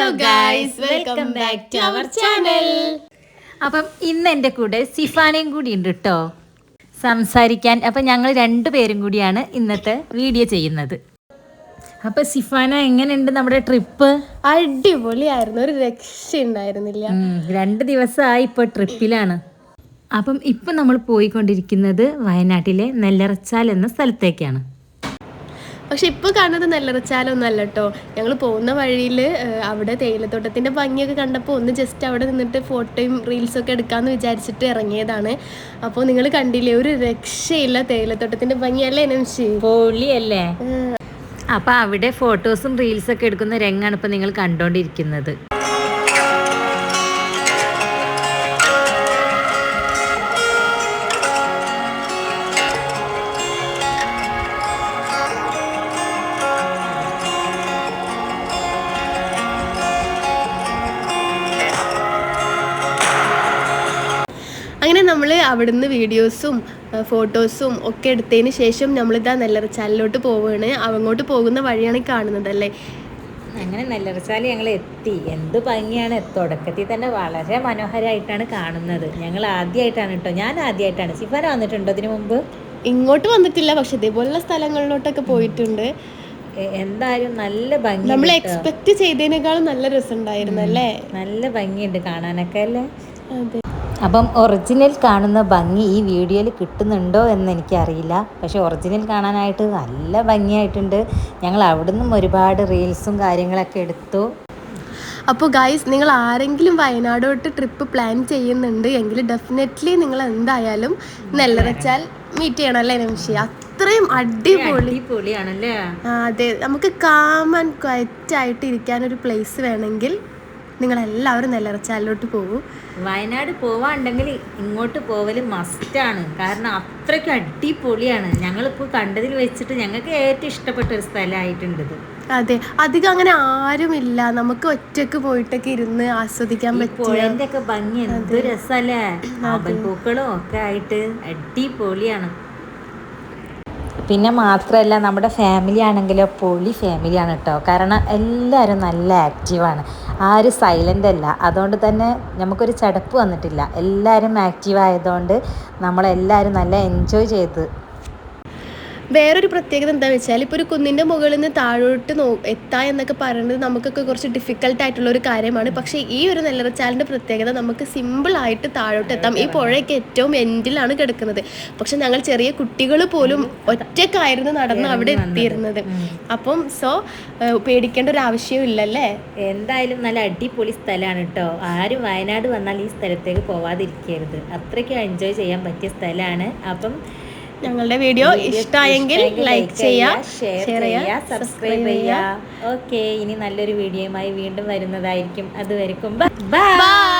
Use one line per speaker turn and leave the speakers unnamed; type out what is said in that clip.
guys, welcome back to our channel.
അപ്പം ഇന്ന് എൻ്റെ കൂടെ സിഫാനയും കൂടി ഉണ്ട് കേട്ടോ സംസാരിക്കാൻ. അപ്പം ഞങ്ങൾ രണ്ടുപേരും കൂടിയാണ് ഇന്നത്തെ വീഡിയോ ചെയ്യുന്നത്. അപ്പം സിഫാന, എങ്ങനെയുണ്ട് നമ്മുടെ ട്രിപ്പ്?
അടിപൊളിയായിരുന്നു, ഒരു രക്ഷയുണ്ടായിരുന്നില്ല.
2 ദിവസമായി ഇപ്പോൾ ട്രിപ്പിലാണ്. അപ്പം ഇപ്പം നമ്മൾ പോയിക്കൊണ്ടിരിക്കുന്നത് വയനാട്ടിലെ നെല്ലറച്ചാൽ എന്ന സ്ഥലത്തേക്കാണ്.
പക്ഷെ ഇപ്പോൾ കാണുന്നത് നെല്ലറച്ചാലൊന്നുമല്ല കേട്ടോ. ഞങ്ങൾ പോകുന്ന വഴിയിൽ അവിടെ തേയിലത്തോട്ടത്തിൻ്റെ ഭംഗിയൊക്കെ കണ്ടപ്പോൾ ഒന്ന് ജസ്റ്റ് അവിടെ നിന്നിട്ട് ഫോട്ടോയും റീൽസൊക്കെ എടുക്കാമെന്ന് വിചാരിച്ചിട്ട് ഇറങ്ങിയതാണ്. അപ്പോൾ നിങ്ങൾ കണ്ടില്ലേ, ഒരു രക്ഷയില്ല തേയിലത്തോട്ടത്തിൻ്റെ ഭംഗിയല്ലേ നംഷി?
പൊളിയല്ലേ? അപ്പം അവിടെ ഫോട്ടോസും റീൽസൊക്കെ എടുക്കുന്ന രംഗാണ് ഇപ്പം നിങ്ങൾ കണ്ടുകൊണ്ടിരിക്കുന്നത്.
അങ്ങനെ നമ്മൾ അവിടുന്ന് വീഡിയോസും ഫോട്ടോസും ഒക്കെ എടുത്തതിന് ശേഷം നമ്മളിതാ നെല്ലറച്ചാലിലോട്ട് പോവുകയാണ്. അങ്ങോട്ട് പോകുന്ന വഴിയാണ് കാണുന്നത് അല്ലേ.
അങ്ങനെ നെല്ലറച്ചാൽ ഞങ്ങൾ എത്തി. എന്ത് ഭംഗിയാണ്! തുടക്കത്തിൽ തന്നെ വളരെ മനോഹരമായിട്ടാണ് കാണുന്നത്. ഞങ്ങൾ ആദ്യമായിട്ടാണ് കേട്ടോ, ഞാൻ ആദ്യമായിട്ടാണ്. സിഫാന വന്നിട്ടുണ്ടോ ഇതിനു മുമ്പ്?
ഇങ്ങോട്ട് വന്നിട്ടില്ല, പക്ഷെ ഇതേപോലുള്ള സ്ഥലങ്ങളിലോട്ടൊക്കെ പോയിട്ടുണ്ട്.
എന്തായാലും നല്ല ഭംഗി,
നമ്മൾ എക്സ്പെക്ട് ചെയ്തതിനേക്കാളും നല്ല രസമുണ്ടായിരുന്നു അല്ലേ.
നല്ല ഭംഗിയുണ്ട് കാണാനൊക്കെ അല്ലേ.
അതെ.
അപ്പം ഒറിജിനൽ കാണുന്ന ഭംഗി ഈ വീഡിയോയിൽ കിട്ടുന്നുണ്ടോ എന്ന് എനിക്കറിയില്ല. പക്ഷെ ഒറിജിനൽ കാണാനായിട്ട് നല്ല ഭംഗിയായിട്ടുണ്ട്. ഞങ്ങൾ അവിടെ നിന്നും ഒരുപാട് റീൽസും കാര്യങ്ങളൊക്കെ എടുത്തു.
അപ്പോൾ ഗൈസ്, നിങ്ങൾ ആരെങ്കിലും വയനാടോട്ട് ട്രിപ്പ് പ്ലാൻ ചെയ്യുന്നുണ്ട് എങ്കിൽ ഡെഫിനറ്റ്ലി നിങ്ങൾ എന്തായാലും നെല്ലറച്ചാൽ മീറ്റ് ചെയ്യണം അല്ലേ നംഷി? അത്രയും
അടിപൊളിയാണല്ലേ.
അതെ, നമുക്ക് കാം ആൻഡ് ക്വയറ്റ് ആയിട്ട് ഇരിക്കാനൊരു പ്ലേസ് വേണമെങ്കിൽ നിങ്ങളെല്ലാവരും നെല്ലറച്ചാലിലോട്ട് പോകും.
വയനാട് പോവാണ്ടെങ്കിൽ ഇങ്ങോട്ട് പോവൽ മസ്റ്റാണ്. കാരണം അത്രയ്ക്ക് അടിപൊളിയാണ്. ഞങ്ങളിപ്പോൾ കണ്ടതിൽ വെച്ചിട്ട് ഞങ്ങൾക്ക് ഏറ്റവും ഇഷ്ടപ്പെട്ട ഒരു സ്ഥലമായിട്ടുണ്ട് ഇത്.
അതെ, അധികം അങ്ങനെ ആരുമില്ല, നമുക്ക് ഒറ്റക്ക് പോയിട്ടൊക്കെ ഇരുന്ന് ആസ്വദിക്കാൻ പറ്റും.
ഒക്കെ ഭംഗി എന്ത് രസമല്ലേ, പൂക്കളും ഒക്കെ ആയിട്ട് അടിപൊളിയാണ്. പിന്നെ മാത്രമല്ല, നമ്മുടെ ഫാമിലി ആണെങ്കിലോ പൊളി ഫാമിലിയാണ് കേട്ടോ. കാരണം എല്ലാവരും നല്ല ആക്റ്റീവാണ്, ആരും സൈലൻ്റ് അല്ല. അതുകൊണ്ട് തന്നെ നമുക്കൊരു ചടപ്പ് വന്നിട്ടില്ല. എല്ലാവരും ആക്റ്റീവ് ആയതുകൊണ്ട് നമ്മളെല്ലാവരും നല്ല എൻജോയ് ചെയ്ത്.
വേറൊരു പ്രത്യേകത എന്താ വെച്ചാൽ, ഇപ്പോൾ ഒരു കുന്നിൻ്റെ മുകളിൽ നിന്ന് താഴോട്ട് എത്താ എന്നൊക്കെ പറയുന്നത് നമുക്കൊക്കെ കുറച്ച് ഡിഫിക്കൽട്ടായിട്ടുള്ള ഒരു കാര്യമാണ്. പക്ഷേ ഈ ഒരു നെല്ലറച്ചാലിൻ്റെ പ്രത്യേകത, നമുക്ക് സിമ്പിളായിട്ട് താഴോട്ട് എത്താം. ഈ പുഴയൊക്കെ ഏറ്റവും എൻഡിലാണ് കിടക്കുന്നത്. പക്ഷെ ഞങ്ങൾ ചെറിയ കുട്ടികൾ പോലും ഒറ്റക്കായിരുന്നു നടന്ന് അവിടെ എത്തിയിരുന്നത്. അപ്പം പേടിക്കേണ്ട ഒരു ആവശ്യവും ഇല്ലല്ലേ.
എന്തായാലും നല്ല അടിപൊളി സ്ഥലമാണ് കേട്ടോ. ആരും വയനാട് വന്നാൽ ഈ സ്ഥലത്തേക്ക് പോവാതിരിക്കരുത്. അത്രയ്ക്ക് എൻജോയ് ചെയ്യാൻ പറ്റിയ സ്ഥലമാണ്. അപ്പം
ഞങ്ങളുടെ വീഡിയോ ഇഷ്ടമായെങ്കിൽ ലൈക്ക് ചെയ്യുക, ഷെയർ ചെയ്യുക,
സബ്സ്ക്രൈബ് ചെയ്യുക. ഓക്കെ, ഇനി നല്ലൊരു വീഡിയോയുമായി വീണ്ടും വരുന്നതായിരിക്കും. അതുവരെക്കും ബൈ.